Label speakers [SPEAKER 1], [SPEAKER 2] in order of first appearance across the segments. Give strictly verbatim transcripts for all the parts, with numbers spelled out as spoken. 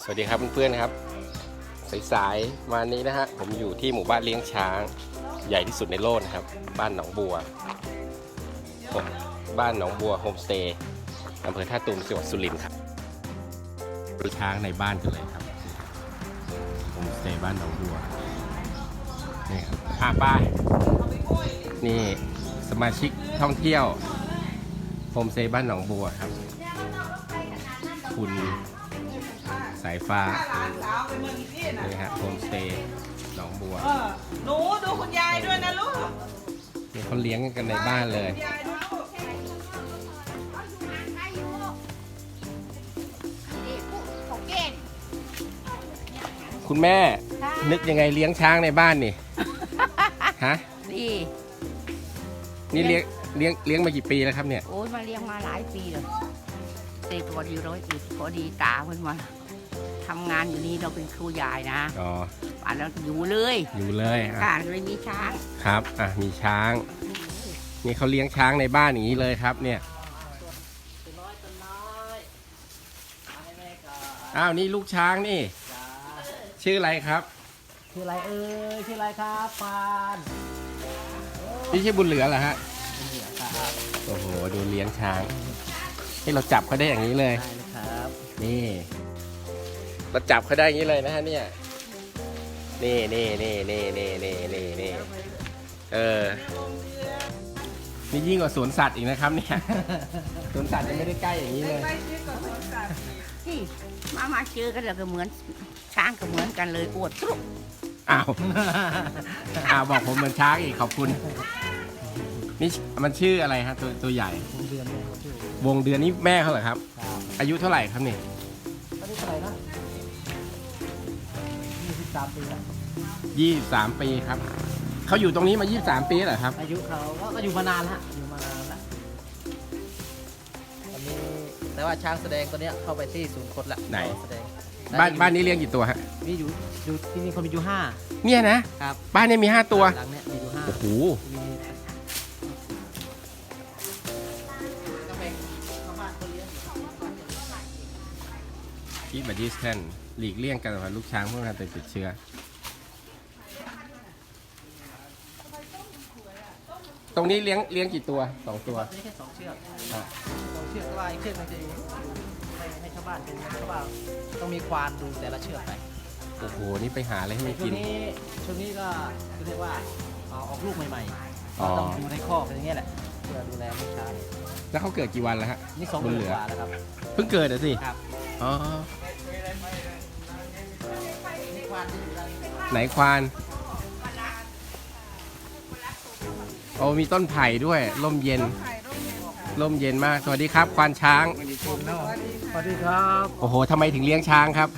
[SPEAKER 1] วัสดีครับเพื่อนๆครับสายๆวันนี้นะฮะผมอยู่ที่หมู่บ้านเลี้ยงช้างใหญ่ที่สุดในโลกนะครับบ้านหนองบัวบ้านหนองบัวโฮมสเตย์อำเภอท่าตูมจังหวัดสุรินทร์ครับดูช้างในบ้านกันเลยครับโฮมสเตย์บ้านหนองบัวนี่ครับอ่าป้านี่สมาชิกท่องเที่ยวโฮมสเตย์บ้านหนองบัวครับคุณสายฟ้านี่ฮะโฮมสเตย์หนองบัว
[SPEAKER 2] หนูดูคุณยายด้วยนะลูก
[SPEAKER 1] นี่เขาเลี้ยงกันในบ้านเลยคุณแม่นึกยังไงเลี้ยงช้างในบ้านนี่ฮะ
[SPEAKER 3] นี่
[SPEAKER 1] นี่เลี้ยงเลี้ยงเลี้ยงมากี่ปีแล้วครับเนี่ย
[SPEAKER 3] โอ้ยมาเลี้ยงมาหลายปีแล้วเด็กพอดีร้อยปีพอดีตาเพิ่นมาทำงานอยู่นี่เราเป็นครูใหญ่นะอ๋อป่านแล้วอยู่เลย
[SPEAKER 1] อยู่เลย
[SPEAKER 3] ค่ะเลยมีช้าง
[SPEAKER 1] ครับอ่ะมีช้างนี่เขาเลี้ยงช้างในบ้านอย่างนี้เลยครับเนี่ยอ้าวนี่ลูกช้างนี่ชื่ออะไรครับ
[SPEAKER 2] ชื่ออะไรเอ่ยชื่ออะไรครับปาน
[SPEAKER 1] นี่ชื่อบุญเหลือเหรอฮะโอ้โหดูเลี้ยงช้างให้เราจับเขาได้อย่างนี้เลย
[SPEAKER 2] ครับ
[SPEAKER 1] นี่เราจับเขาได้อย่างนี้เลยนะฮะเนี่ยนี่นี่นี่นี่นี่นี่นี่นี่เออนี่ยิ่งกว่าสวนสัตว์อีกนะครับเนี่ยสวนสัตว์ยังไม่ได้ใกล้อย่างนี้เลย
[SPEAKER 3] ที่มามาเจอกันแล้วก็เหมือนช้างก็เหมือนกันเลยอวดตุ๊ก
[SPEAKER 1] อ้าวอ้าวบอกผมเหมือนช้างอีกขอบคุณนี่มันชื่ออะไรฮะตัวตัวใหญ่
[SPEAKER 2] วงเดือน
[SPEAKER 1] วงเดือนนี่แม่เขาเหรอครับอายุเท่าไหร่ครับนี่
[SPEAKER 2] อายุเท่าไหร่นะยี่สิบสามปีแล้ว
[SPEAKER 1] ยี่สิบสามปีครับเขาอยู่ตรงนี้มายี่สิบสามปีเหรอครับ
[SPEAKER 2] อายุเขาก็อยู่มานานแล้วอยู่มานานแล้วตอนนี้แต่ว่าช้างแสดงตัวเนี้ยเข้าไปที่ศูนย์คดละ
[SPEAKER 1] ไหนบ้านบ้านนี้เลี้ยงกี่ตัวฮะ
[SPEAKER 2] มีอยู่อยู่ที่นี่เขามีอยู่ห้า
[SPEAKER 1] เนี่ยนะครับบ้านนี้มีห้าตัว
[SPEAKER 2] หลังเนี้ยมีอยู่ห้า
[SPEAKER 1] โอ้โหที่บัดดี้แทนหลีกเลี่ยงการลูกช้างพวกนั้นติดเชื้อตรงนี้เลี้ยงเลี้ยงกี่ตัวสองตัว
[SPEAKER 2] นี่แค่สองเชือกสองเชือกว่าอีกเชือกนึงจะอยู่ให้ให้ชาวบ้านเป็นเพราะว่าต้องมีควานดูแต่ละเชือกไป
[SPEAKER 1] โอ้โหนี่ไปหาอะไรให้มันกิน
[SPEAKER 2] ช่วงนี้ช่วงนี้ก็เรียกว่าเอาออกลูกใหม่ๆต้องดูในคอกอย่างเงี้ยแหละเพื่อดูแลลูกช้าง
[SPEAKER 1] แล้วเขาเกิดกี่วันแล้วฮะ
[SPEAKER 2] นี่สองเดือนกว่าแล้วครับ
[SPEAKER 1] เพิ่งเกิดเหรอสิ
[SPEAKER 2] ครับ
[SPEAKER 1] อ๋อไหนควานโอ้มีต้นไผ่ด้วยร่มเย็นร่มเย็นมากสวัสดีครับควานช้าง
[SPEAKER 2] สวัสดีครับ
[SPEAKER 1] โอ้โหทำไมถึงเลี้ยงช้างครับ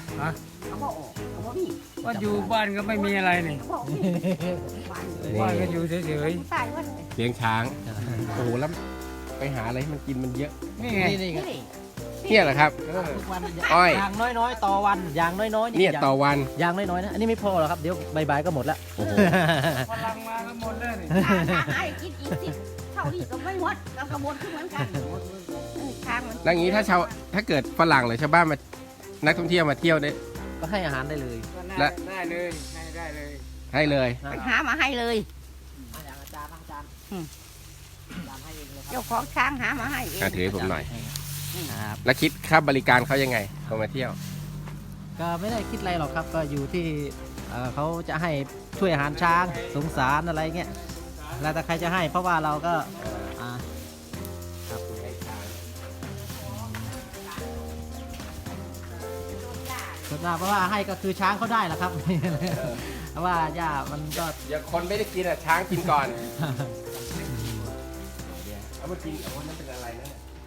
[SPEAKER 4] ว่าอยู่บ้านก็ไม่มีอะไรนี่บ้านก็อยู่เฉย
[SPEAKER 1] ๆเลี้ยงช้างโอ้โหแล้วไปหาอะไรให้มันกินมันเยอะ
[SPEAKER 2] นี่ไงนี่ไง
[SPEAKER 1] เนี่ยเหรอครับอ้อย
[SPEAKER 2] อย่างน้อยๆต่อวันอย่างน้อย
[SPEAKER 1] ๆเนี่ยต่อวัน
[SPEAKER 2] อย่างน้อยๆนะอันนี้ไม่พอหรอกครับเดี๋ยวใบๆก็หมดละ
[SPEAKER 4] โอ้โหพลังมาก็หมดเลย
[SPEAKER 3] ให้กินอีกสิเท่านี้ก็ไม่หมดเรากระบวนเหมือนกันช้างมัน
[SPEAKER 1] แล้วอย่างนี้ถ้าชาวถ้าเกิดฝรั่งหรือชาวบ้านมานักท่องเที่ยวมาเที่ยวได้
[SPEAKER 2] ก็ให้อาหารได้เลย
[SPEAKER 4] และได้เลยให้ได้เลย
[SPEAKER 1] ให้เลย
[SPEAKER 3] ไปหามาให้เลย
[SPEAKER 2] อย่างอาจารย์อาจารย์
[SPEAKER 3] เจ้าของช้างหามาให้เอง
[SPEAKER 1] ถือให้ผมหน่อยแล้วคิดค่าบริการเขายังไงเขามาเที่ยว
[SPEAKER 2] ก็ไม่ได้คิดอะไรหรอกครับก็อยู่ที่เขาจะให้ช่วยอาหารช้างสงสารอะไรเงี้ยแล้วแต่ใครจะให้เพราะว่าเราก็ส่วนมากเพราะว่าให้ก็คือช้างเขาได้แหละครับเพราะว่าหญ้ามันก็
[SPEAKER 1] เดี๋ยวคนไม่ได้กินอ่ะช้างกินก่อนเอามากินเอาคนนั้นเป็นอะไรนะ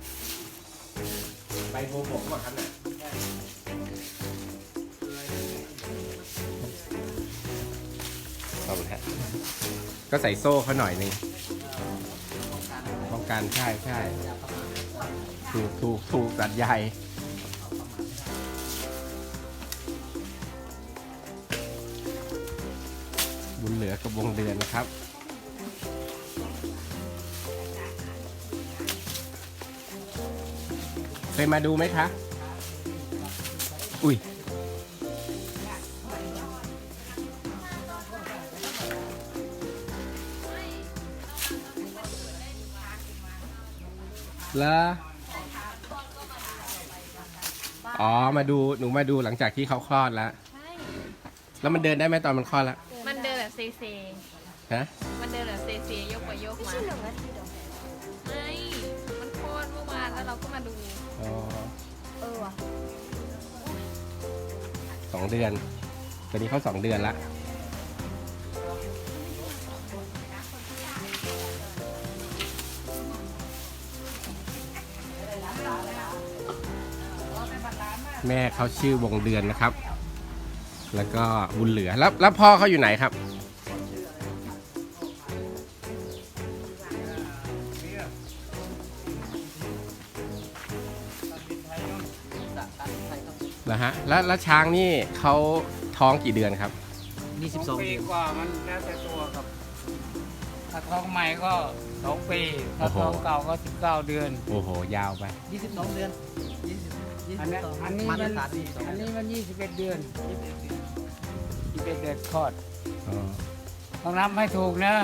[SPEAKER 1] ใบโบกว่าครับเนี่ยเอาละก็ใส่โซ่เขาหน่อยนึงป้องกันใช่ใช่ถูกถูกถูกตัดใหญ่บุญเหลือกับวงเดือนนะครับเคยมาดูไหมคะอุ้ยแล้วอ๋อมาดูหนูมาดูหลังจากที่เขาคลอดแล้ว
[SPEAKER 5] ใช่
[SPEAKER 1] แล้วมันเดินได้ไหมตอนมันคลอดแล้ว
[SPEAKER 5] มันเดินแบบเซเซ
[SPEAKER 1] ฮะ
[SPEAKER 5] มันเดินแบบเซเซยกไปยกมา
[SPEAKER 6] ไม่ใช่หนึ่งนาทีหรอ
[SPEAKER 5] ไม่ มันโคตรเมื่อวานแล้วเราก็มาดู
[SPEAKER 1] อ๋อ
[SPEAKER 6] เออว่ะ
[SPEAKER 1] สองเดือนตอนนี้เขาสองเดือนละแม่เขาชื่อวงเดือนนะครับ แล้วก็บุญเหลือแล้วแล้วพ่อเขาอยู่ไหนครับ แล้วฮะแล้วแล้วช้างนี่เขาท้องกี่เดือนครับ
[SPEAKER 2] นี่สิบสอง
[SPEAKER 4] ปี
[SPEAKER 2] เดือน
[SPEAKER 4] กว่ามันแล้วแต่ตัวครับ ถ้าท้องใหม่ก็สองปีถ้า
[SPEAKER 1] โอ้โห
[SPEAKER 4] ท้องเก่าก็สิบเก้าเดือน
[SPEAKER 1] โอ้โห ยาวไป
[SPEAKER 2] ยี่สิบสองเดือนยี่สิบยี่
[SPEAKER 4] อัน
[SPEAKER 2] สิ
[SPEAKER 4] นี้
[SPEAKER 2] บสอง
[SPEAKER 4] อันนี้
[SPEAKER 2] มา
[SPEAKER 4] มั
[SPEAKER 2] ตร
[SPEAKER 4] น
[SPEAKER 2] ฐานยี่สิบสอง
[SPEAKER 4] อันนี้มันยี่สิบเอ็ดเดือนยี่สิบเอ็ดเดือนคลอด
[SPEAKER 1] อ๋อ
[SPEAKER 4] ต้องนับให้ถูกนะ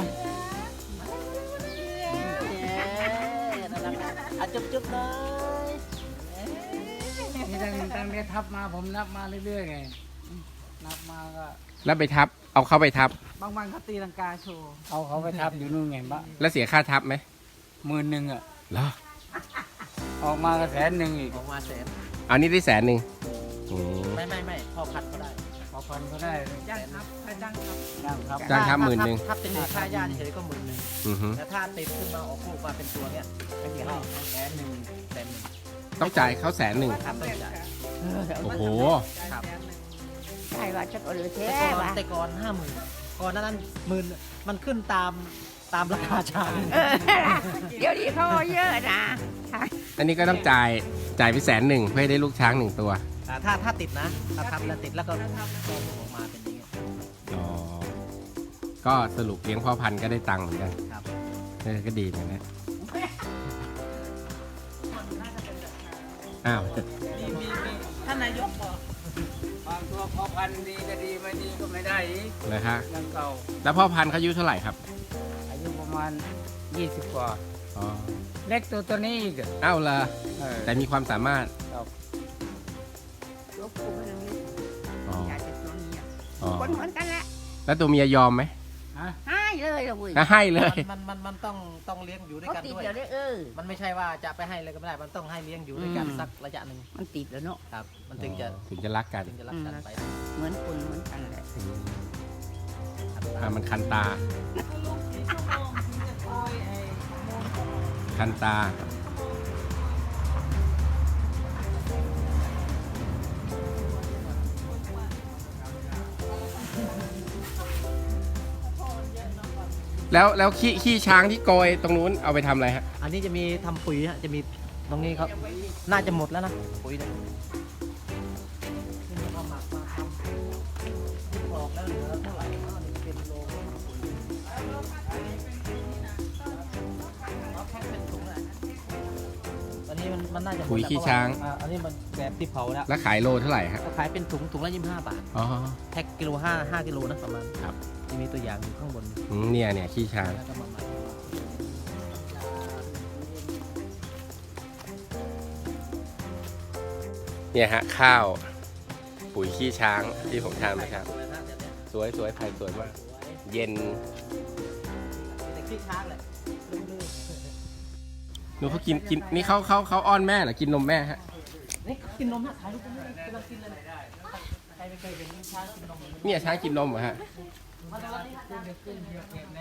[SPEAKER 2] อ่ะจุ๊บจุ๊บเลย
[SPEAKER 4] นี่ตั้งตั้งแต่ทับมาผมนับมาเรื่อยๆไงนับมาก็
[SPEAKER 1] แล้วไปทับ เอาเข้าไปทับ
[SPEAKER 2] บางวันเขาตีลังกาโชว์
[SPEAKER 4] เอาเขาไปทับอยู่นู่นไงบะ
[SPEAKER 1] แล้วเสียค่าทับไหม
[SPEAKER 4] หมื่นหนึ่งอ่ะ
[SPEAKER 1] เหรอ
[SPEAKER 4] ออกมาก็แสนหนึ่งอีก
[SPEAKER 2] ออกมาแสน
[SPEAKER 1] อันนี้ได้แสนหนึ่งอืม
[SPEAKER 2] ไม่ไม่ไม่พอพัดก็ได้
[SPEAKER 4] พอพันก็ได้
[SPEAKER 2] จ้างครับถ้าจ้างครับ
[SPEAKER 4] ยังครับ
[SPEAKER 1] จ้างทับหมื่นหนึ่ง
[SPEAKER 2] ถ้าเป็นค่าญาติเฉยๆก็หมื่นหนึ่ง
[SPEAKER 1] อือฮึ
[SPEAKER 2] แต่ถ้าติดขึ้นมาออกลูกมาเป็นตัวเนี่ยไม่กี่ห้าแสนหนึ่งแสนหนึ่ง
[SPEAKER 1] ต้องจ่ายเขาแสนหนึ่ง
[SPEAKER 2] ครับต้องจ่าย
[SPEAKER 1] โอ้โห
[SPEAKER 2] ครับ
[SPEAKER 3] ใช่ว่าจะก็เหลือแท้
[SPEAKER 2] แต่ก่อน
[SPEAKER 3] ว่ะ
[SPEAKER 2] แต่ก่อนห้าหมื่นก่อนหนานั้นหมื่นมันขึ้นตามตามราคาช้าง
[SPEAKER 3] เออเดี๋ยวนี้เขาเอาเยอะนะใช่
[SPEAKER 1] อันนี้ก็ต้องจ่าย จ่ายไปแสนหนึ่งเพื่อให้ได้ลูกช้างหนึ่งตัว
[SPEAKER 2] อ่าถ้าถ้าติดนะถ้าทำแล้วติดแล้วก็ก็ออกมาเป็นอย่างเงี้ย
[SPEAKER 1] อ๋อ ก็สรุปเลี้ยงพ่อพันธุ์ก็ได้ตังค์เหมือนกัน
[SPEAKER 2] ครับ
[SPEAKER 1] เออก็ดีเหมือนกันนะ อ้าว
[SPEAKER 2] ท่านนายกบอก
[SPEAKER 4] ความตัวพอพันธุ์ดีก็ดีไม่ดีก็ไม่ได้อีก
[SPEAKER 1] เลยฮะ
[SPEAKER 4] ยังเก่า
[SPEAKER 1] แล้วพ่อพันธุ์เขาอายุเท่าไหร่ครับ
[SPEAKER 4] อายุประมาณยี่สิบกว่า
[SPEAKER 1] อ๋อ
[SPEAKER 4] เล็กตัวตัวนี้อีกอะ
[SPEAKER 1] อ้าวละ
[SPEAKER 4] เออ
[SPEAKER 1] แต่มีความสามารถ
[SPEAKER 4] ครับ
[SPEAKER 3] ยกกูไปตรงนี้
[SPEAKER 1] อ๋อ
[SPEAKER 3] อยากจะตัวนี้อะ
[SPEAKER 1] อ๋อ
[SPEAKER 3] คนเหมือนกันแหละ
[SPEAKER 1] แล้วตัวเมียยอมไหม
[SPEAKER 4] ฮะ
[SPEAKER 3] ให้เลยละเว้ย
[SPEAKER 1] ก็ให้เลย
[SPEAKER 2] มันมันมันต้องต้องเลี้ยงอยู่ด้วย
[SPEAKER 3] เขา
[SPEAKER 2] กัน
[SPEAKER 3] ติด
[SPEAKER 2] ด้วย
[SPEAKER 3] เดี๋ยวได้เออ
[SPEAKER 2] มันไม่ใช่ว่าจะไปให้เลยก็ไม่ได้ มันต้องให้เลี้ยงอยู่ด้วยกัน
[SPEAKER 1] อืม
[SPEAKER 2] สักระยะหนึ่ง
[SPEAKER 3] มันติดแล้วเนาะ
[SPEAKER 2] ครับ มันถึงจะ
[SPEAKER 1] ถึงจะรักกัน
[SPEAKER 2] ถึงจะรักกันไป
[SPEAKER 3] เหมือนคนเหมือนกันแหละ
[SPEAKER 1] อืมอ่ะมันคันตา คันตา แล้วแล้วขี้ขี้ช้างที่โกยตรงนู้นเอาไปทำอะไรฮะ
[SPEAKER 2] อันนี้จะมีทำปุ๋ยฮะจะมีตรงนี้เขาน่าจะหมดแล้วนะปุ๋ยเนี่ยนี่เอาหมักมาทำที่ออกแล้วเหลือเท่าไหร่ก็หนึ่งเป็นโลปุ๋ยเอาแพ็คเป็นถุงเลยตอนนี้มันมันน่าจะหมด
[SPEAKER 1] ปุ๋ย
[SPEAKER 2] แล้ว
[SPEAKER 1] ขี้ช้าง
[SPEAKER 2] เพระว่อ่อันนี้มันแบบที่เผาแล้ว
[SPEAKER 1] แล้วขายโลเท่าไหร่ฮะ
[SPEAKER 2] ก็ขายเป็นถุงถุงละยี่สิบห้าบาท
[SPEAKER 1] อ๋อ
[SPEAKER 2] แพ็คกิโลห้าห้ากิโลนะประมาณ
[SPEAKER 1] ครับ
[SPEAKER 2] จะมีตัวอย่างอยู่ข้างบน
[SPEAKER 1] อืมเนี่ยเนี่ยขี้ช้าง
[SPEAKER 2] แล้วก็มาหมัก
[SPEAKER 1] เนี่ยฮะข้าว ปุ๋ยขี้ช้างที่ผมทำนะครับ สวยสวยไผ่สวยมาก เย็น
[SPEAKER 2] แต่ขี้ช้างเลยลื่น
[SPEAKER 1] หนูเขากินกินนี่เขาเขาเขาอ้อนแม่เหรอกินนมแม่ฮะ
[SPEAKER 2] ๆนี่กินนมฮะถ่ายรูปกันเลยกำลังกินเลยใครไม่เคยเห็นช้างกินนมเลย
[SPEAKER 1] เนี่ยช้างกินนมเหรอฮะ
[SPEAKER 2] มาดูนี่ครับ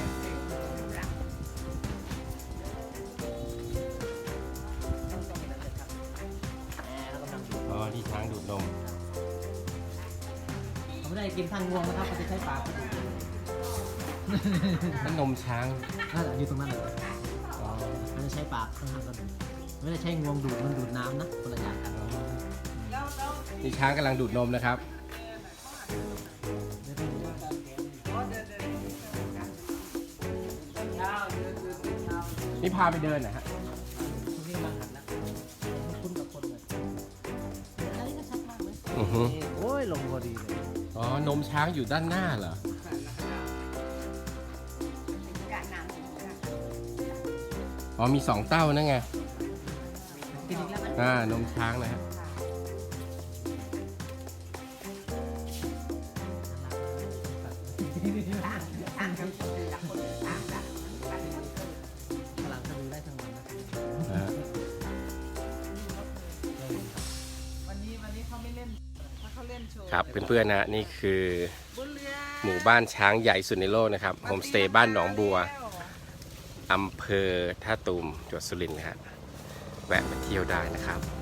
[SPEAKER 1] อ๋อที่ช้างดูดนม
[SPEAKER 2] เขาไม่ได้กินทางงวงนะครับเขาจะใช้ปาก
[SPEAKER 1] นั่นนมช้าง
[SPEAKER 2] นั่นแหละอยู่ตรงนั้นเลย
[SPEAKER 1] อ๋อ
[SPEAKER 2] มันจะใช้ปากข้างๆกันไม่ได้ใช้งวงดูดมันดูดน้ำนะคนละอย่างกัน
[SPEAKER 1] นี่ช้างกำลังดูดนมนะครับ นี่พาไปเดินนะฮะ
[SPEAKER 2] ตรงนี้กำลังหันนะคุ้นกับคนเลยอันนี้ก็ชัดมากเลย
[SPEAKER 1] อือฮึ
[SPEAKER 2] นี่โอ้ยลงพอดีเลย
[SPEAKER 1] อ๋อนมช้างอยู่ด้านหน้าเหรอ อ๋อมีสองเต้านั่นไง
[SPEAKER 2] เกินอีกแล้วไหม
[SPEAKER 1] อ่านมช้างนะฮะ
[SPEAKER 2] ฝรั่งก็ดูได้ทั้งวันนะ
[SPEAKER 1] อ่า
[SPEAKER 4] วันนี้วันนี้เขาไม่เล่นถ้าเขาเล่นโชว์
[SPEAKER 1] ครับเพื่อนๆนะนี่คือหมู่บ้านช้างใหญ่สุดในโลกนะครับโฮมสเตย์บ้านหนองบัวอำเภอท่าตูมจังหวัดสุรินทร์นะฮะแวะมาเที่ยวได้นะครับ